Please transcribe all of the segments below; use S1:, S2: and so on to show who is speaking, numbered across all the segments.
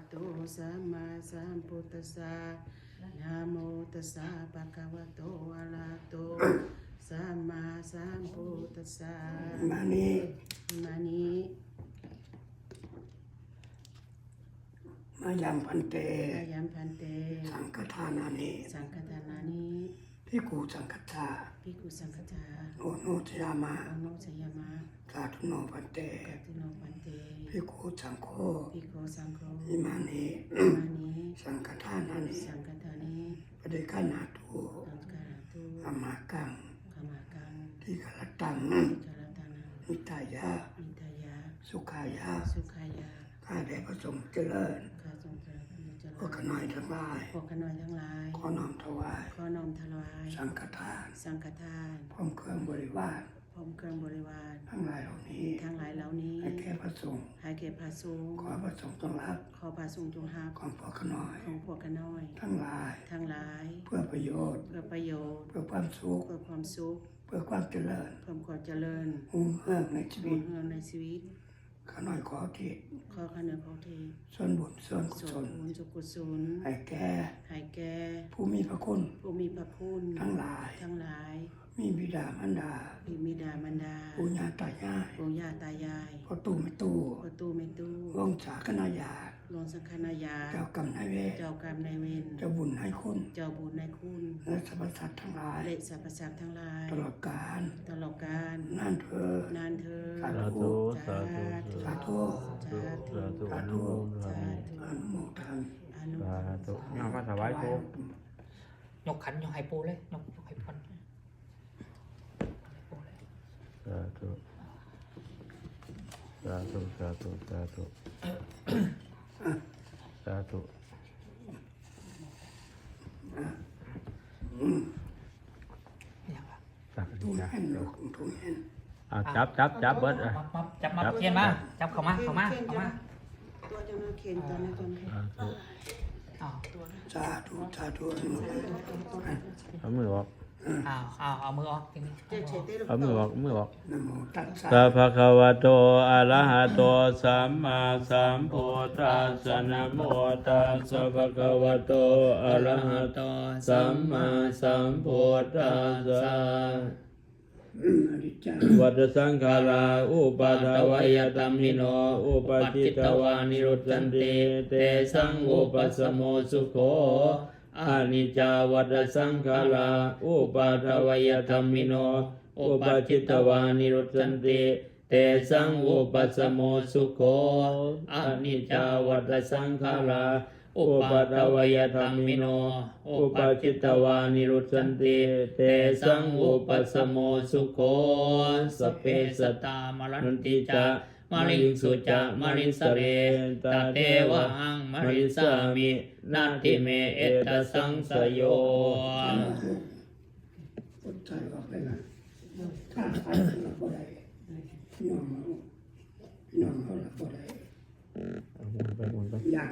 S1: โตสัมมาสัมพุทธัสสะนะโมตัสสะภะคะวะโตอะระหะโตสัมมาสัมพุทธัสสะ
S2: มานี้มายังพันเตสังฆทานานิภิกขุสังฆทาโอโนชยามะสาธุโนพันเตภิกขุสังโฆอิมานิสังฆทานานิปฏิฆานาตุอามากังทิกรตังนิตายะสุขายะข้าได้ประสงค์เจริญพวกขน้อยทั้งหลายขอน้อมถวายสังฆทานพร้อมเครื่องบริวารทั้งหลายเหล่านี้ให้แก่พระสงฆ์ขอพระสงฆ์จงรับของพวกขน้อยทั้งหลายเพื่อประโยชน์เพื่อความสุขเพื่อความเจริญหุ่งเฮืองในชีวิตข้าน้อยขอทิศส่วนบุญส่วนกุศลให้แก่ผู้มีพระคุณทั้งหลายมีบิดามารดาปู่ย่าตายายพ่อตู่แม่ตู่วงศาคณาญาติเจ้ากรรมนายเวรเจ้าบุญให้คุณและสรรพสัตว์ทั้งหลายตลอดกาลนานเถิดสาธุอนุโมทนา
S3: ย่อมาถวายปู
S4: ยกขันยกให้ปูเลยยกให้พร
S3: สาธุ
S2: ทุ่งแห่น
S3: จับเบิด
S4: จับมาเขียนมาจับเข้ามา
S1: ตัวจะมาเข็นตอนนี้
S2: สาธุ
S3: เอามือออก
S4: เอามือออกทีนี้
S3: เอามือออก
S2: นะโมตัสสะ
S3: สัพพะคะวะโตอะระหะโตสัมมาสัมพุทธัสสะนะโมตัสสะภะคะวะโตอะระหะโตสัมมาสัมพุทธัสสะวัฏสังขาราอุปาทวยตัมมิโนอุปจิตตวานิรุตตันติเตสังอุปสมโมสุโขอานิจจาวัฏสังขาราอุปาทวยตัมมิโนอุปจิตตวานิรุตตันติเตสังอุปสมโมสุโขอานิจจาวัฏสังขาราอุปาทวยธัมมิโนอุปจิตตวานิรุตตันติเตสังอุปสมโมสุโขสเปสตามรันติจามริงสุจามริงสเรตเตวะหังมริสามินาทิเมเอตสังสโย
S2: คนใจออกไปนะข้าไปเราบ่ได้พี่น้องเขาเราบ่ได้ยาก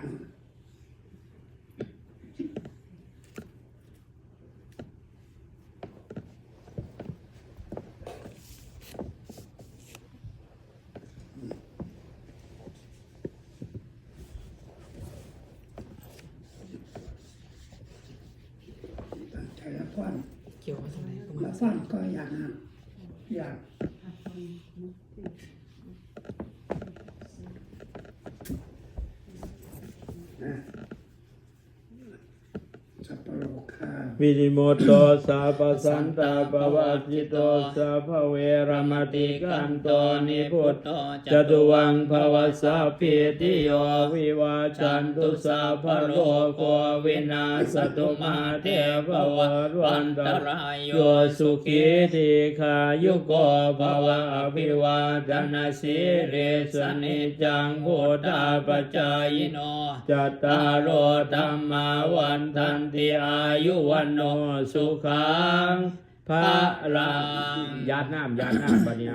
S4: เกี่ยวมาตรงไหน
S2: แล้วฟันก็อยากสัพพโลกา
S3: วิริโมโตสาปสันตาปวัจจิโตสัพพเวรมติกันโตนิพุตโตจตุวังภวสัพพิติโยวิวาจันตุสัพพโลกวินาศตุมาเทภวันตรายโยสุขีติขายุโกภวะอภิวาทนาสิริสนิจังพุทธาปัจจายโนจัตตารโอธัมมาวันทันติอายุวันโนสุขังพระรังญาติน้ำบัดนี้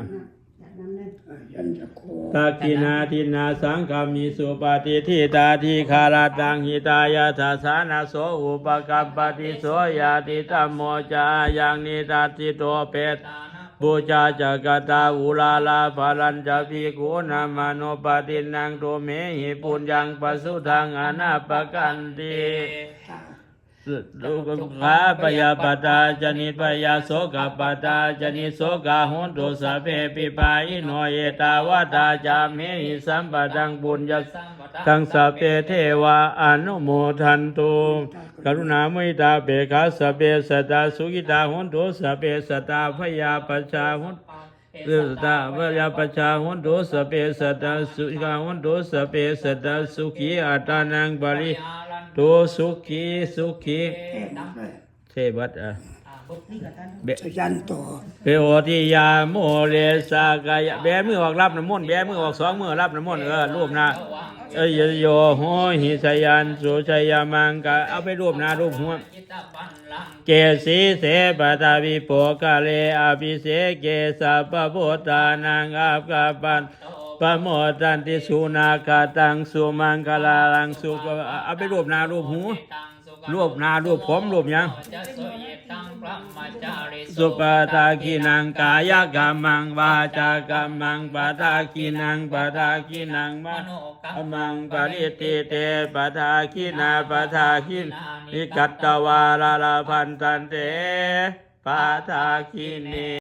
S3: ตักกินาทินาสังฆามิสุปฏิทิตาทิคาราตังหิตายาทัสสานาโสอุปกัปปติโสยาติตัมโมจายังนิทัสสิโตเปตวบูชาจักตาอุลาลาภาลัญจะภิกขุนามาโนปฏินังโตเมหิปุญญังปัสสุทังอนาปกันติลูกขาปยาปตาจนิปยาโสกปตาจนิโสกาหุนตุสะเพปิปาอิโนเยตาวตาจามิหิสัมปตังบุญญตังสัพเพเทวาอนุโมทันตุกรุณามุทิตาเบขาสัพเพสัตตาสุขิตาหุนตุสัพเพสัตตาพยาปัจจาหุนตาพยาปัจจาหุนตุสัพเพสัตตาสุขิตาหุนตุสัพเพสัตตาสุขีอัตตานังบริตุสุขีสุขีเทบัตเบ
S2: ชยันโต
S3: เปโอทิยาโมเลสากายะแบมือออกรับน้ำมนต์แบมือออกสองมือรับน้ำมนต์รูปหน้าโยโหหิสยันสุชยามังกะเอาไปรูปหน้ารูปหัวเกสีเสปตาวิโปกาเลอภิเสเกสะปะโพตานังอาภกาปันปะโมตันติสุนาคาตังสุมังคลาลังสุเอาไปรูปหน้ารูปหูรูปหน้ารูปผมรูปยังสุปทากินังกายกรรมังวาจากรรมังปทากินังปทากินังมโนมังปริติเตปทากินาปทากินิกัตตวาลาลาพันตันเตปทากิเน